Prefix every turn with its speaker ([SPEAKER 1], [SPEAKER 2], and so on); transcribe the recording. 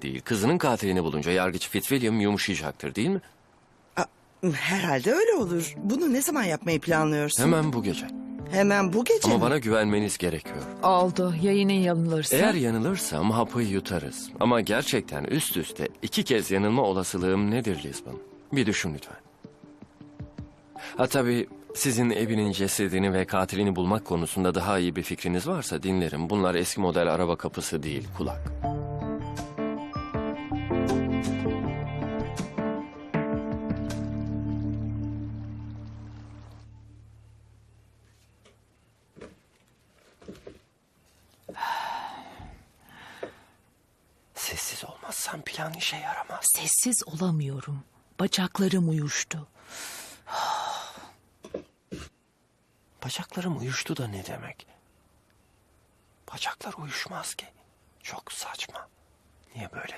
[SPEAKER 1] bile değil. Kızının katilini bulunca yargıç Fitzwilliam yumuşayacaktır, değil mi?
[SPEAKER 2] Herhalde öyle olur. Bunu ne zaman yapmayı planlıyorsun?
[SPEAKER 1] Hemen bu gece.
[SPEAKER 2] Hemen bu gece
[SPEAKER 1] Ama
[SPEAKER 2] mi?
[SPEAKER 1] bana güvenmeniz gerekiyor.
[SPEAKER 3] Oldu. Ya yine yanılırsa?
[SPEAKER 1] Eğer yanılırsam hapı yutarız. Ama gerçekten üst üste 2 kez yanılma olasılığım nedir Lisbon? Bir düşün lütfen. Ha tabii sizin evinin cesedini ve katilini bulmak konusunda daha iyi bir fikriniz varsa dinlerim. Bunlar eski model araba kapısı değil, kulak. Sessiz olmazsam plan işe yaramaz.
[SPEAKER 3] Sessiz olamıyorum. Bacaklarım uyuştu.
[SPEAKER 1] Bacaklarım uyuştu da ne demek? Bacaklar uyuşmaz ki. Çok saçma. Niye böyle